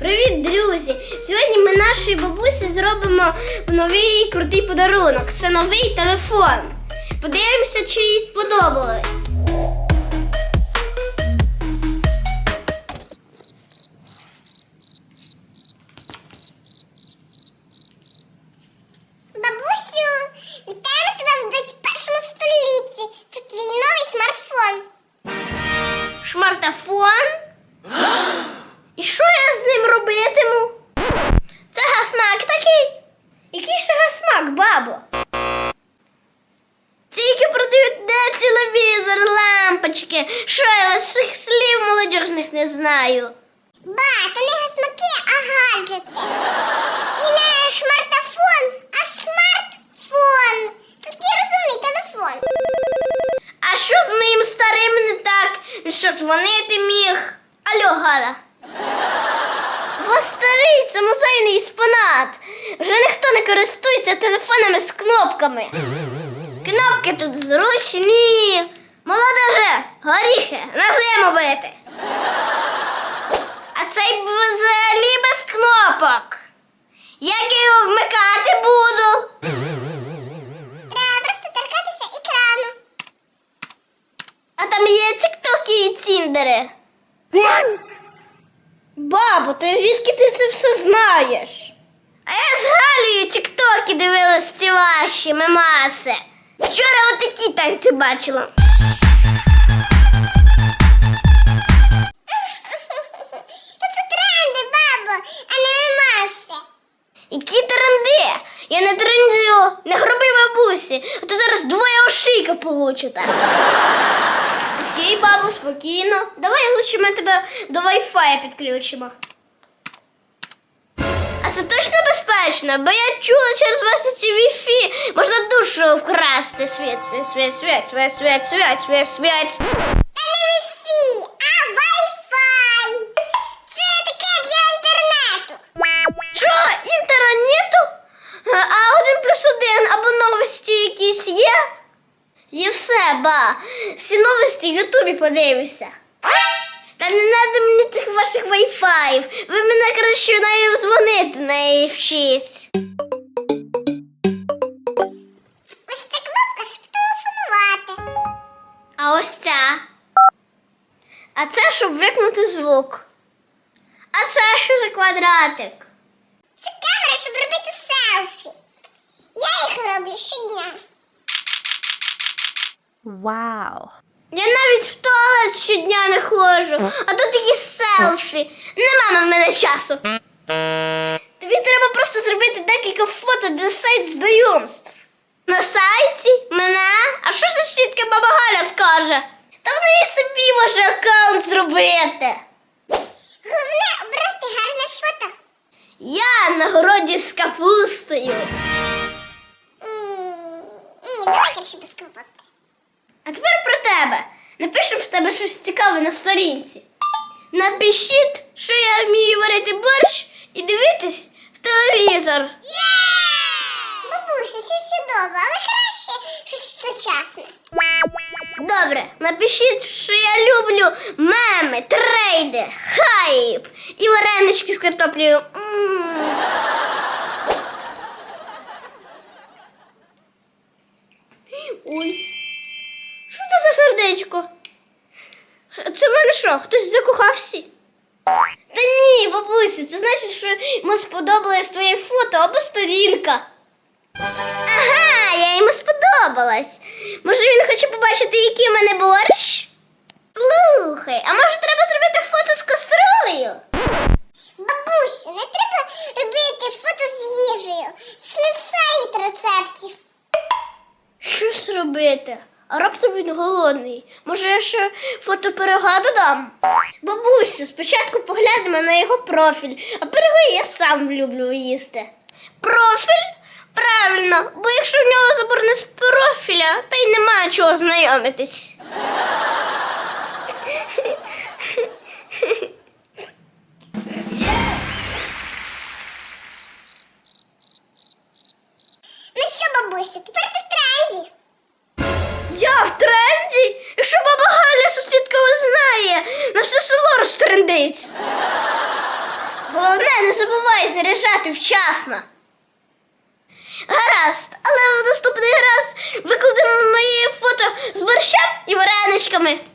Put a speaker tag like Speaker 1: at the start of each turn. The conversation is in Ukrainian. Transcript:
Speaker 1: Привіт, друзі! Сьогодні ми нашій бабусі зробимо новий крутий подарунок. Це новий телефон. Подивимося, чи їй сподобалось.
Speaker 2: Бабусю, вітаємо тебе в 21 столітті. Це твій новий смартфон.
Speaker 1: Смартфон? І що я з ним робитиму? Це гасмак такий? Який ще гасмак, бабо? Тільки продають де телевізор, лампочки. Що я вас цих слів молодіжних не знаю.
Speaker 2: Ба, то не гасмаки, а гаджети. І не смартфон, а смартфон. Це такий розумний телефон.
Speaker 1: А що з моїм старим не так? Він що, дзвонити міг? Алло, Галя. Вас старий, це музейний експонат. Вже ніхто не користується телефонами з кнопками. Кнопки тут зручні. Молодеже, горіхи, на зиму бити. А цей взагалі без кнопок. Як я його вмикати буду?
Speaker 2: Треба просто торкатися екрану.
Speaker 1: А там є тіктоки і ціндери. Бабо, ти звідки ти це все знаєш? А я з Галею тіктоки дивилась ці ваші мемаси. Вчора отакі танці бачила.
Speaker 2: Та це тренди, бабо, а не мемаси.
Speaker 1: Які тренди? Я не трендю, не хроби бабусі, а то зараз двоє ошийка получите. Окей, бабу, спокійно. Давай лучше ми тебе до Wi-Fi підключимо. А це точно безпечно? Бо я чула через вас ці Wi-Fi можна душу вкрасти. Світ.
Speaker 2: Та не Wi-Fi, а Wi-Fi. Це таке для інтернету.
Speaker 1: Що, інтернету? А 1+1 або новості якісь є? Є все, ба. Всі новості в Ютубі подивися. Та не треба мені цих ваших вайфаїв. Ви мене краще нею дзвонити, неї вчіть.
Speaker 2: Ось ця кнопка, щоб телефонувати.
Speaker 1: А ось ця. А це, щоб викнути звук. А це що за квадратик?
Speaker 2: Це камера, щоб робити селфі. Я їх роблю щодня.
Speaker 3: Вау!
Speaker 1: Я навіть в туалет щодня не ходжу, а тут такі селфі. Нема в мене часу. Тобі треба просто зробити декілька фото для сайт знайомств. На сайті? Мене? А що за сітка баба Галя скаже? Та вона і собі може аккаунт зробити.
Speaker 2: Головне обрати гарне фото.
Speaker 1: Я на городі з капустою.
Speaker 2: Ні, давай краще без капусти.
Speaker 1: А тепер про тебе. Напишемо в тебе щось цікаве на сторінці. Напишіть, що я вмію варити борщ і дивитись в телевізор.
Speaker 2: Бабуся, це чудово, але краще щось сучасне.
Speaker 1: Добре, напишіть, що я люблю меми, трейди, хайп і варенички з картоплею. Ой. Що це за сердечко? Це в мене що, хтось закохався? Та ні, бабусі, це значить, що йому сподобалось твоє фото або сторінка. Ага, я йому сподобалась. Може він хоче побачити, який в мене борщ? Слухай, а може треба зробити фото з каструлею?
Speaker 2: Бабуся, не треба робити фото з їжею. Це не сайт рецептів.
Speaker 1: Що ж робити? А раптом він голодний. Може, я ще фото пирога додам? Бабусю, спочатку поглянемо на його профіль, а пироги я сам люблю їсти. Профіль? Правильно, бо якщо в нього заборонено з профіля, то й немає чого знайомитись.
Speaker 2: Ну що, бабуся, тепер ти в тренді.
Speaker 1: Я в тренді? Якщо баба Галя сусідка знає, на все село розтрендить. Головне, головне, не забувай заряджати вчасно. Гаразд, але в наступний раз викладемо мої фото з борщем і вареничками.